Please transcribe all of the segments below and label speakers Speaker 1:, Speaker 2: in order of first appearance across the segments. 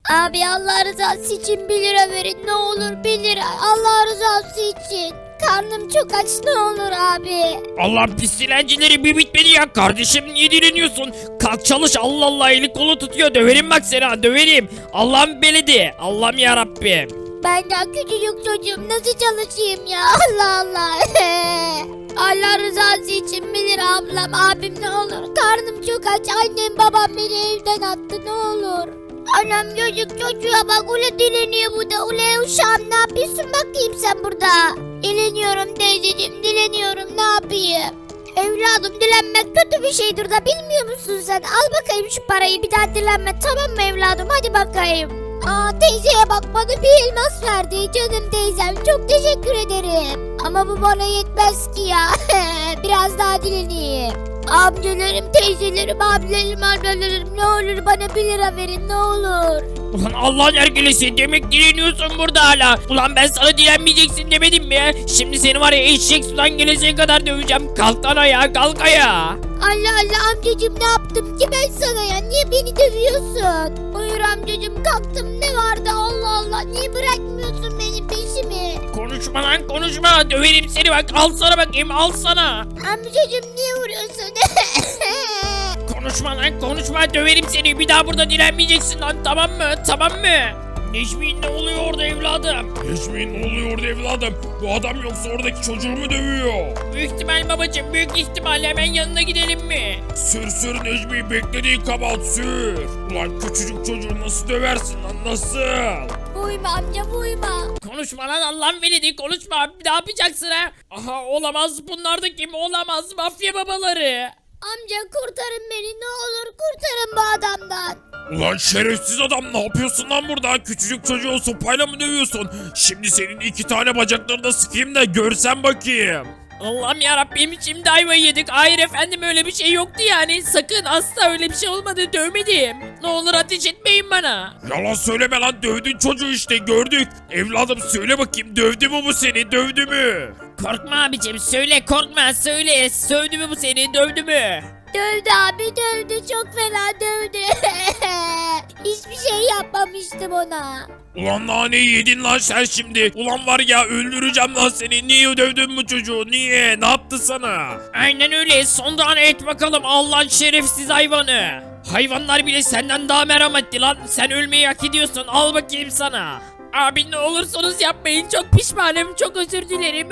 Speaker 1: Abi Allah rızası için 1 lira verin ne olur 1 lira. Allah rızası için. Karnım çok aç ne olur abi.
Speaker 2: Allah'ın pis dilencileri bir bitmedi ya. Kardeşim niye direniyorsun? Kalk çalış, Allah Allah, eli kolu tutuyor. Döverim bak seni ha, döverim. Allah'ım beledi. Allah'ım yarabbim.
Speaker 1: Ben daha küçücük çocuğum nasıl çalışayım ya Allah Allah. Allah rızası için 1 lira ablam abim ne olur. Karnım çok aç annem babam beni evden attı ne olur. Anam çocuk çocuğa bak ule dileniyor bu da ule uşağım ne yapıyorsun bakayım sen burada. Dileniyorum teyzeciğim dileniyorum ne yapayım. Evladım dilenmek kötü bir şeydir da bilmiyor musun sen? Al bakayım şu parayı bir daha dilenme tamam mı evladım hadi bakayım. Aa teyzeye bak bana bir elmas verdi canım teyzem çok teşekkür ederim. Ama bu bana yetmez ki ya biraz daha dileneyim. Amcalarım, teyzelerim, abilerim, ablalarım ne olur bana 1 lira verin ne olur.
Speaker 2: Ulan Allah'ın erkelesi, demek direniyorsun burada hala. Ulan ben sana direnmeyeceksin demedim mi? Şimdi seni var ya eşek sudan geleceğe kadar döveceğim. Kalk lan ayağa, kalk ayağa.
Speaker 1: Allah Allah amcacım ne yaptım ki ben sana ya niye beni dövüyorsun? Buyur amcacım kalktım ne vardı Allah Allah niye bırakmıyorsun benim peşimi?
Speaker 2: Konuşma lan konuşma, döverim seni bak, al sana bakayım, al sana.
Speaker 1: Amcacım niye vuruyorsun?
Speaker 2: Konuşma lan konuşma, döverim seni, bir daha burada direnmeyeceksin lan, tamam mı, tamam mı? Necmi ne oluyor orada evladım?
Speaker 3: Necmi ne oluyor orada evladım? Bu adam yoksa oradaki çocuğu mu dövüyor?
Speaker 2: Büyük ihtimal babacım, büyük ihtimal, hemen yanına gidelim mi?
Speaker 3: Sür Necmi, beklediğin kabahat sür. Ulan küçücük çocuğu nasıl döversin lan nasıl?
Speaker 1: Vurma amca vurma.
Speaker 2: Konuşma lan Allah'ın veledi, konuşma, ne yapacaksın ha? Aha olamaz, bunlar da kim, olamaz, mafya babaları.
Speaker 1: Amca kurtarın beni ne olur kurtarın bu adamdan.
Speaker 3: Ulan şerefsiz adam ne yapıyorsun lan burada? Küçücük çocuğu sopayla mı dövüyorsun? Şimdi senin 2 tane bacaklarını sıkayım da görsen bakayım.
Speaker 2: Allah'ım yarabbim, şimdi ayvayı yedik. Hayır efendim, öyle bir şey yoktu yani. Sakın, asla öyle bir şey olmadı, dövmedim. Ne olur ateş etmeyin bana.
Speaker 3: Yalan söyleme lan, dövdün çocuğu işte, gördük. Evladım söyle bakayım, dövdü mü bu seni, dövdü mü?
Speaker 2: Korkma abicim, söyle, korkma, söyle. Sövdü mü bu seni, dövdü mü?
Speaker 1: Dövdü abi dövdü çok fena dövdü. Hiçbir şey yapmamıştım ona.
Speaker 3: Ulan naneyi yedin lan sen şimdi. Ulan var ya, öldüreceğim lan seni. Niye dövdün bu çocuğu, niye, ne yaptı sana?
Speaker 2: Aynen öyle, son tane et bakalım Allah'ın şerefsiz hayvanı. Hayvanlar bile senden daha merhametli lan. Sen ölmeyi hak ediyorsun, al bakayım sana. Abi ne olursunuz yapmayın, çok pişmanım, çok özür dilerim.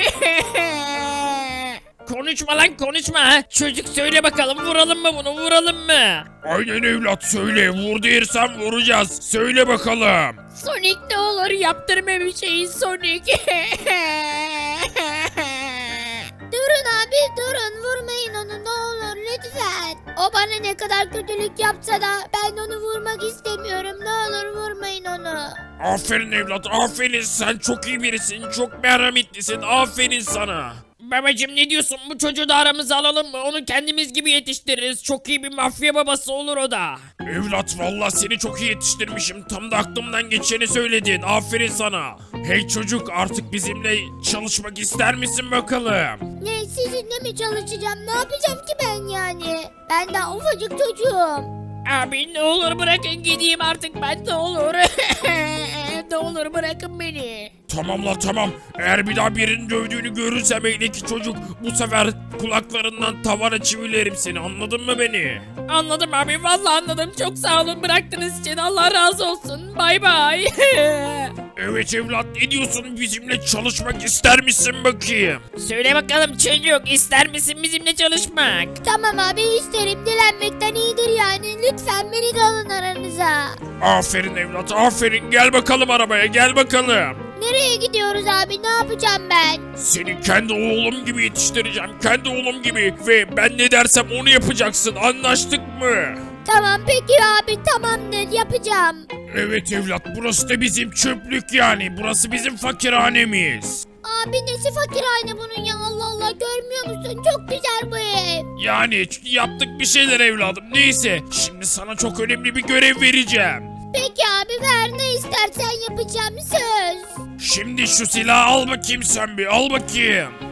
Speaker 2: Konuşma lan konuşma. Çocuk söyle bakalım, vuralım mı bunu, vuralım mı?
Speaker 3: Aynen evlat, söyle, vur dersen vuracağız. Söyle bakalım.
Speaker 2: Sonic ne olur yaptırma bir şeyi Sonic.
Speaker 1: Durun abi durun vurmayın onu ne olur lütfen. O bana ne kadar kötülük yapsa da ben onu vurmak istemiyorum ne olur vurmayın onu.
Speaker 3: Aferin evlat, aferin, sen çok iyi birisin, çok merhametlisin, aferin sana.
Speaker 2: Babacım ne diyorsun, bu çocuğu da aramıza alalım mı? Onu kendimiz gibi yetiştiririz. Çok iyi bir mafya babası olur o da.
Speaker 3: Evlat vallahi seni çok iyi yetiştirmişim, tam da aklımdan geçeni söyledin, aferin sana. Hey çocuk, artık bizimle çalışmak ister misin bakalım?
Speaker 1: Ne sizinle mi çalışacağım ne yapacağım ki ben yani. Ben daha ufacık çocuğum.
Speaker 2: Abi ne olur bırakın gideyim artık ben, ne olur. Ne olur bırakın beni.
Speaker 3: Tamam la tamam, eğer bir daha birinin dövdüğünü görürsem eldeki çocuk, bu sefer kulaklarından tavana çivilerim seni, anladın mı beni?
Speaker 2: Anladım abi, vallahi anladım, çok sağ olun bıraktığınız için, Allah razı olsun, bay bay.
Speaker 3: Evet evlat, ne diyorsun, bizimle çalışmak ister misin bakayım?
Speaker 2: Söyle bakalım çocuk, ister misin bizimle çalışmak?
Speaker 1: Tamam abi isterim dilenmekten iyidir yani lütfen beni de alın aranıza.
Speaker 3: Aferin evlat, aferin, gel bakalım arabaya, gel bakalım.
Speaker 1: Nereye gidiyoruz abi ne yapacağım ben?
Speaker 3: Seni kendi oğlum gibi yetiştireceğim, kendi oğlum gibi, ve ben ne dersem onu yapacaksın, anlaştık mı?
Speaker 1: Tamam peki abi tamamdır yapacağım.
Speaker 3: Evet evlat, burası da bizim çöplük yani, burası bizim fakirhanemiz.
Speaker 1: Abi nesi fakirhane bunun ya Allah Allah görmüyor musun? Çok güzel bu ev.
Speaker 3: Yani yaptık bir şeyler evladım, neyse, şimdi sana çok önemli bir görev vereceğim.
Speaker 1: Peki abi ver ne istersen yapacağım söz.
Speaker 3: Şimdi şu silahı al bakayım sen bir, al bakayım.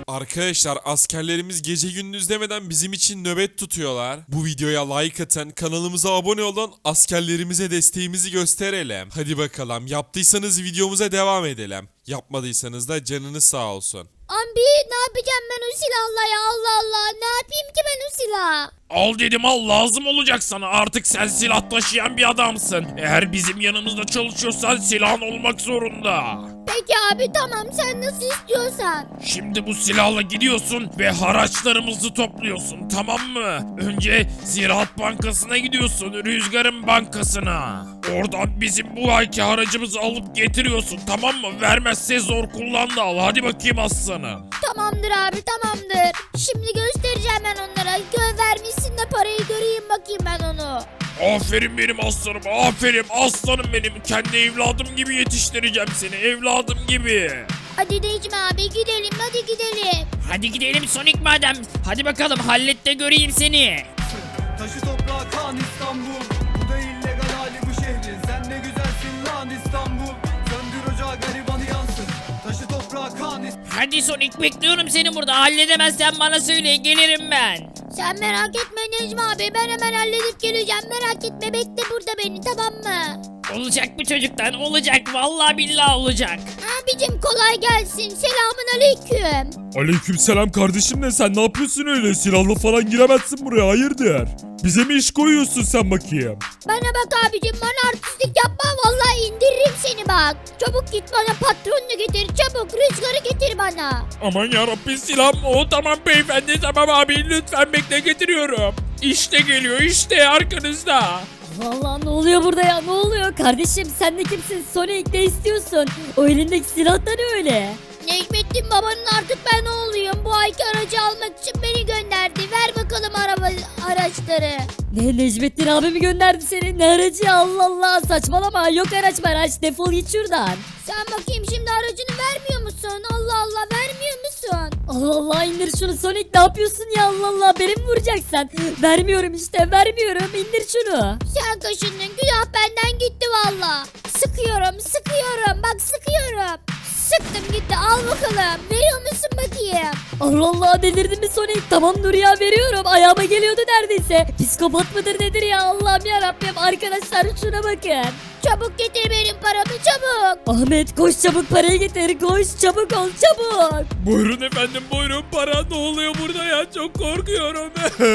Speaker 4: Arkadaşlar askerlerimiz gece gündüz demeden bizim için nöbet tutuyorlar. Bu videoya like atın, kanalımıza abone olun, askerlerimize desteğimizi gösterelim. Hadi bakalım, yaptıysanız videomuza devam edelim. Yapmadıysanız da canınız sağ olsun.
Speaker 1: Abi ne yapacağım ben o silahla ya, Allah Allah, ne yapayım ki ben o silahı?
Speaker 3: Al dedim al, lazım olacak sana, artık sen silah taşıyan bir adamsın. Eğer bizim yanımızda çalışıyorsan silahın olmak zorunda.
Speaker 1: Peki abi tamam, sen nasıl istiyorsan.
Speaker 3: Şimdi bu silahla gidiyorsun ve haraçlarımızı topluyorsun, tamam mı? Önce Ziraat Bankası'na gidiyorsun, Rüzgar'ın bankasına. Oradan bizim bu ayki haracımızı alıp getiriyorsun, tamam mı? Vermezse zor kullan da al, hadi bakayım aslanım.
Speaker 1: Tamamdır abi, tamamdır. Şimdi göstereceğim ben onlara. Vermişsin de parayı göreyim bakayım ben onu.
Speaker 3: Aferin benim aslanım, aferin aslanım benim. Kendi evladım gibi yetiştireceğim seni, evladım gibi.
Speaker 1: Hadi Necmi abi gidelim, hadi gidelim.
Speaker 2: Hadi gidelim Sonic madem. Hadi bakalım hallet de göreyim seni.
Speaker 5: Taşı toprağı kan İstanbul. Bu da illegal hali bu şehrin. Sen ne güzelsin lan İstanbul. Söndür ocağı garibanı yansın. Taşı toprağı kan İstanbul.
Speaker 2: Hadi Sonic bekliyorum seni burada. Halledemezsen bana söyle gelirim ben.
Speaker 1: Sen merak etme Necmi abi, ben hemen halledip geleceğim, merak etme, bekle burada beni, tamam mı?
Speaker 2: Olacak bu çocuktan olacak. Vallahi billahi olacak.
Speaker 1: Abicim kolay gelsin, selamun aleyküm.
Speaker 6: Aleykümselam kardeşim de sen ne yapıyorsun öyle? Silahla falan giremezsin buraya, hayırdır? Bize mi iş koyuyorsun sen bakayım?
Speaker 1: Bana bak abicim, bana artistlik yapma, vallahi indiririm seni bak. Çabuk git bana patronunu getir, çabuk Rüzgar'ı getir bana.
Speaker 3: Aman yarabbim, silahım o, tamam beyefendi, tamam abi, lütfen bekle, getiriyorum. İşte geliyor, işte arkanızda.
Speaker 7: Vallahi ne oluyor burada ya, ne oluyor kardeşim, sen de kimsin, Sonic ne istiyorsun, o elindeki silah da ne öyle?
Speaker 1: Necmettin babanın artık ben oğluyum, bu ayki aracı almak için beni gönderdi, ver bakalım araçları.
Speaker 7: Ne, Necmettin abi mi gönderdi seni, ne aracı, Allah Allah, saçmalama, yok araç, defol git şuradan.
Speaker 1: Sen bakayım şimdi aracını vermiyor musun? Allah Allah, vermiyor musun?
Speaker 7: Allah Allah, indir şunu Sonic, ne yapıyorsun ya, Allah Allah, beni mi vuracaksın? Vermiyorum işte, vermiyorum, indir şunu.
Speaker 1: Sen kaşındın, günah benden gitti valla. Sıkıyorum, bak sıkıyorum. Sıktım gitti, al bakalım. Veriyor musun bakayım?
Speaker 7: Allah Allah, delirdin mi Sonic, tamam dur ya, veriyorum, ayağıma geliyordu neredeyse. Psikopat mıdır nedir ya, Allah'ım yarabbim, arkadaşlar şuna bakın.
Speaker 1: Çabuk getir benim paramı, çabuk.
Speaker 7: Ahmet koş çabuk, parayı getir, koş çabuk ol, çabuk.
Speaker 3: Buyurun efendim, buyurun, para ne oluyor burada ya, çok korkuyorum.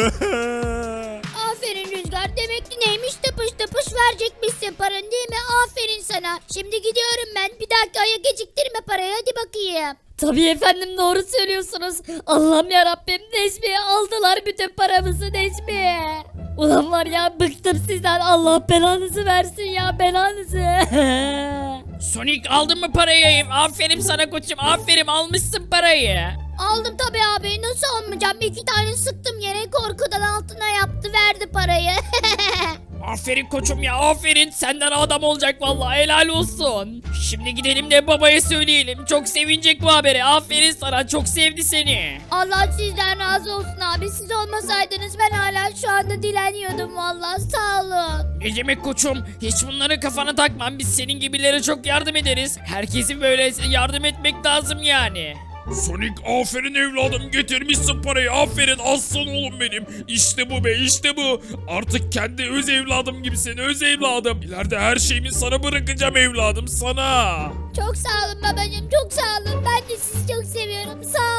Speaker 1: Aferin Rüzgar, demek ki neymiş, tıpış verecekmişsin paranı değil mi? Aferin sana. Şimdi gidiyorum ben, bir dakika aya geciktirme parayı, hadi bakayım.
Speaker 7: Tabii efendim, doğru söylüyorsunuz. Allah'ım yarabbim, Necmi aldılar bütün paramızı, Necmi. Ulan var ya, bıktım sizden, Allah belanızı versin ya, belanızı.
Speaker 2: Sonic aldın mı parayı? Aferin sana koçum, aferin, almışsın parayı.
Speaker 1: Aldım tabii abi, nasıl almayacağım? 2 tane sıktım yere, korkudan altına yaptı, verdi parayı.
Speaker 2: Aferin koçum ya, aferin, senden adam olacak vallahi, helal olsun. Şimdi gidelim de babaya söyleyelim, çok sevinecek bu haberi, aferin sana, çok sevdi seni.
Speaker 1: Allah sizden razı olsun abi, siz olmasaydınız ben hala şu anda dileniyordum vallahi, sağ olun.
Speaker 2: Ne demek koçum, hiç bunları kafana takmam, biz senin gibilere çok yardım ederiz. Herkesin böyle yardım etmek lazım yani.
Speaker 3: Sonic, aferin evladım, getirmişsin parayı, aferin aslan oğlum benim. İşte bu be, işte bu. Artık kendi öz evladım gibisin, öz evladım. İleride her şeyimi sana bırakacağım evladım, sana.
Speaker 1: Çok sağ olun babacığım, çok sağ olun, ben de sizi çok seviyorum, sağ